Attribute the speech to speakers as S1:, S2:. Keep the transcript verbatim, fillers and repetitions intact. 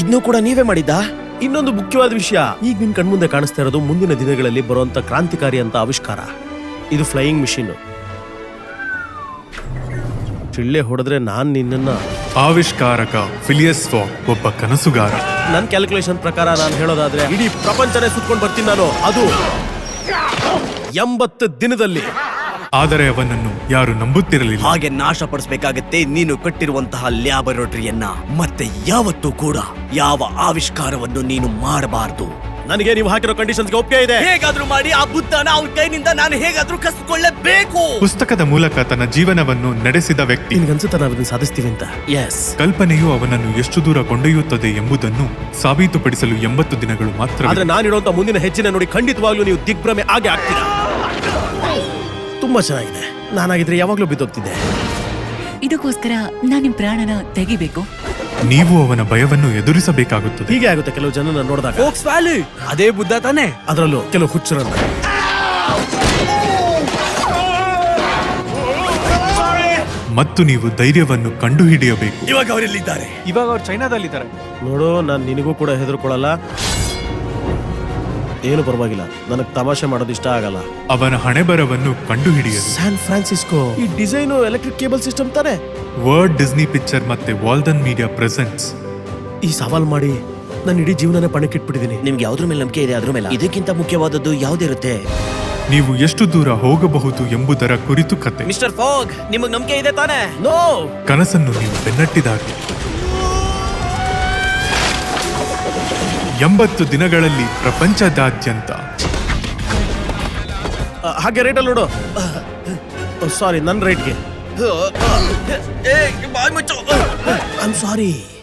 S1: ಇದನ್ನು ಕೂಡ ನೀವೇ ಮಾಡಿದ್ದಾ?
S2: ಇನ್ನೊಂದು ಮುಖ್ಯವಾದ ವಿಷಯ, ಈಗ ನಿನ್ ಕಣ್ಮುಂದೆ ಕಾಣಿಸ್ತಾ ಇರೋದು ಮುಂದಿನ ದಿನಗಳಲ್ಲಿ ಬರುವಂತ ಕ್ರಾಂತಿಕಾರಿ ಅಂತ ಆವಿಷ್ಕಾರ. ಇದು ಫ್ಲೈಯಿಂಗ್ ಮಿಷಿನ್. ಚಿಳ್ಳೆ ಹೊಡೆದ್ರೆ ನಾನ್ ನಿನ್ನ
S3: ಆವಿಷ್ಕಾರಕ ಫಿಲಿಯಸ್ ಫಾಗ್ ಒಬ್ಬ ಕನಸುಗಾರ.
S2: ನನ್ ಕ್ಯಾಲ್ಕುಲೇಷನ್ ಪ್ರಕಾರ ನಾನು ಹೇಳೋದಾದ್ರೆ ಇಡೀ ಪ್ರಪಂಚನೇ ಸುತ್ಕೊಂಡು ಬರ್ತೀನಿ ನಾನು, ಅದು ಎಂಬತ್ತು ದಿನದಲ್ಲಿ.
S3: ಆದರೆ ಅವನನ್ನು ಯಾರು ನಂಬುತ್ತಿರಲಿಲ್ಲ.
S1: ಹಾಗೆ ನಾಶಪಡಿಸಬೇಕಾಗತ್ತೆ ನೀನು ಕಟ್ಟಿರುವಂತಹ ಲ್ಯಾಬೊರೇಟರಿಯನ್ನ. ಮತ್ತೆ ಯಾವತ್ತೂ ಕೂಡ ಯಾವ ಆವಿಷ್ಕಾರವನ್ನು ನೀನು ಮಾಡಬಾರದು.
S2: ನನಗೆ ನೀವು ಹಾಕಿರೋ ಕಂಡೀಷನ್ಸ್ಗೆ ಒಪ್ಪಿಗೆ ಇದೆ.
S1: ಹೇಗಾದ್ರೂ ಮಾಡಿ ಆ ಬುದ್ಧನ ಅವನ ಕೈನಿಂದ ನಾನು ಹೇಗಾದ್ರೂ ಕಸಿಕೊಳ್ಳಬೇಕು.
S3: ಪುಸ್ತಕದ ಮೂಲಕ ತನ್ನ ಜೀವನವನ್ನು ನಡೆಸಿದ ವ್ಯಕ್ತಿ.
S2: ನಿನ್ಗನ್ಸುತ್ತಾ ನಾವು ಇದನ್ನ ಸಾಧಿಸ್ತೀವಿ ಅಂತ?
S1: ಎಸ್.
S3: ಕಲ್ಪನೆಯು ಅವನನ್ನು ಎಷ್ಟು ದೂರ ಕೊಂಡೊಯ್ಯುತ್ತದೆ ಎಂಬುದನ್ನು ಸಾಬೀತುಪಡಿಸಲು ಎಂಬತ್ತು ದಿನಗಳು ಮಾತ್ರ.
S2: ಆದ್ರೆ ನಾನಿಡುವಂತ ಮುಂದಿನ ಹೆಜ್ಜೆನ ನೋಡಿ ಖಂಡಿತವಾಗ್ಲೂ ನೀವು ದಿಗ್ಭ್ರಮೆ ಆಗೆ ಆಗ್ತೀರಾ. ತುಂಬಾ ಚೆನ್ನಾಗಿದೆ. ನಾನಾಗಿದ್ರೆ ಯಾವಾಗ್ಲೂ ಬಿದ್ದೋಗ್ತಿದ್ದೆ.
S4: ಇದಕ್ಕೋಸ್ಕರ ನಾನು ನಿಮ್ ಪ್ರಾಣನ ತೆಗಿಬೇಕು.
S3: ನೀವು ಅವನ ಭಯವನ್ನು ಎದುರಿಸಬೇಕಾಗುತ್ತದೆ.
S2: ಹೀಗೆ ಆಗುತ್ತೆ ಕೆಲವು ಜನನ ನೋಡಿದಾಗ.
S1: ಫೋಕ್ಸ್ ವ್ಯಾಲಿ ಅದೇ ಬುದ್ಧ ತಾನೆ,
S2: ಅದರಲ್ಲೂ ಕೆಲವು ಹುಚ್ಚರನ್ನ.
S3: ಮತ್ತು ನೀವು ಧೈರ್ಯವನ್ನು ಕಂಡುಹಿಡಿಯಬೇಕು.
S1: ಇವಾಗ ಅವರೆಲ್ಲಿದ್ದಾರೆ?
S5: ಇವಾಗ ಅವ್ರು ಚೈನಾದಲ್ಲಿದ್ದಾರೆ.
S2: ನೋಡು, ನಾನು ನಿನಗೂ ಕೂಡ ಹೆದರ್ಕೊಳ್ಳಲ್ಲ, ಏನು ಪರವಾಗಿಲ್ಲ. ನನಗೆ ತಮಾಷೆ ಮಾಡೋದು ಇಷ್ಟ ಆಗಲ್ಲ.
S3: ಅವನ ಹಣೆಬರವನ್ನು ಕಂಡುಹಿಡಿಯಲು
S2: ಸ್ಯಾನ್ ಫ್ರಾನ್ಸಿಸ್ಕೋ. ಈ ಡಿಸೈನು ಎಲೆಕ್ಟ್ರಿಕ್ ಕೇಬಲ್ ಸಿಸ್ಟಮ್ ತಾನೆ.
S3: ವರ್ಲ್ಡ್ ಡಿಸ್ನಿ ಪಿಕ್ಚರ್ ಮತ್ತೆ ವಾಲ್ಡನ್ ಮೀಡಿಯಾ ಪ್ರೆಸೆಂಟ್ಸ್.
S2: ಈ ಸವಾಲ್ ಮಾಡಿ ನಾನು ಇಡೀ ಜೀವನನೇ ಪಣಕ್ಕಿಟ್ಬಿಟ್ಟಿದ್ದೀನಿ.
S1: ನಿಮ್ಗೆ ಯಾವ್ದ್ರ ಮೇಲೆ ನಂಬಿಕೆ ಇದೆ ಅದ್ರ ಮೇಲೆ. ಇದಕ್ಕಿಂತ ಮುಖ್ಯವಾದದ್ದು ಯಾವ್ದಿರುತ್ತೆ?
S3: ನೀವು ಎಷ್ಟು ದೂರ ಹೋಗಬಹುದು ಎಂಬುದರ ಕುರಿತು ಕತೆ.
S1: ಮಿಸ್ಟರ್ ಫಾಗ್, ನಿಮಗ್ ನಂಬಿಕೆ ಇದೆ ತಾನೆ?
S2: ನೋ.
S3: ಕನಸನ್ನು ನೀವು ಬೆನ್ನಟ್ಟಿದಾಗ ಎಂಬತ್ತು ದಿನಗಳಲ್ಲಿ ಪ್ರಪಂಚದಾದ್ಯಂತ.
S2: ಹಾಗೆ ರೇಟಲ್ಲಿ ನೋಡು. ಸಾರಿ, ನನ್ನ ರೇಟ್ಗೆ. I am sorry.